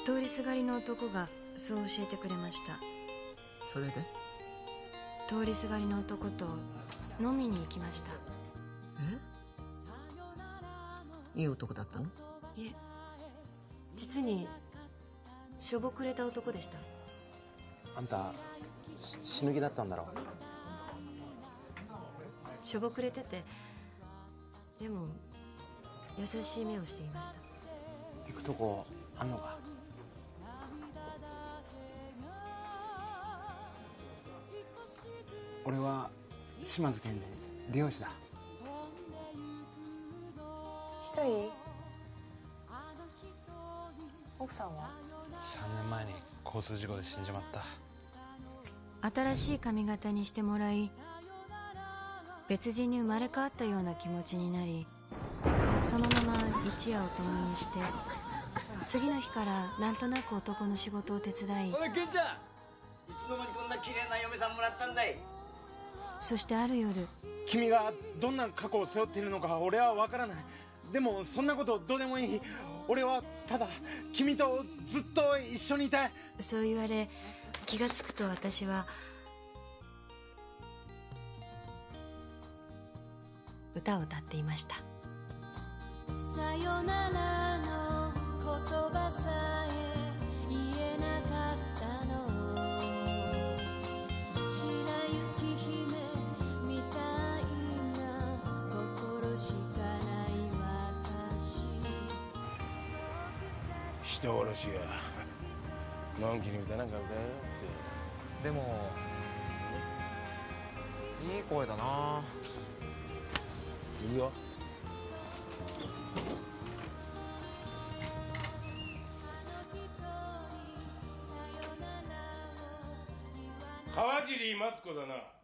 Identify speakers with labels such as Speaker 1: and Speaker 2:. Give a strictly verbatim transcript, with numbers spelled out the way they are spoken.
Speaker 1: 通りすがりの男がそう教えてくれました。
Speaker 2: それで？
Speaker 1: 通りすがりの男と飲みに行きました。
Speaker 2: え？いい男だったの？
Speaker 3: いえ、実にしょぼくれた男でした。
Speaker 4: あんたし死ぬ気だったんだろ？
Speaker 3: しょぼくれてて、でも優しい目をしていました。
Speaker 4: 行くとこあんのか？俺は島津検事、理容師だ。
Speaker 5: 一人？奥さんは？
Speaker 4: さんねんまえに交通事故で死んじまった。
Speaker 1: 新しい髪型にしてもらい、別人に生まれ変わったような気持ちになり、そのまま一夜を共にして、次の日からなんとなく男の仕事を手伝い。
Speaker 6: おいケンちゃん、いつの間にこんな綺麗な嫁さんもらったんだい。
Speaker 1: そしてある夜、
Speaker 4: 君がどんな過去を背負っているのか俺は分からない。でもそんなことどうでもいい。俺はただ君とずっと一緒にいたい。
Speaker 1: そう言われ、気がつくと私は歌を歌っていました。
Speaker 7: さよならの言葉さえ言えなかったの、白雪姫みたいな心しかない私。
Speaker 8: 人殺しがのんきに歌なんか歌えよって。
Speaker 9: でもいい声だな。
Speaker 8: いいよ。川尻マツコだな。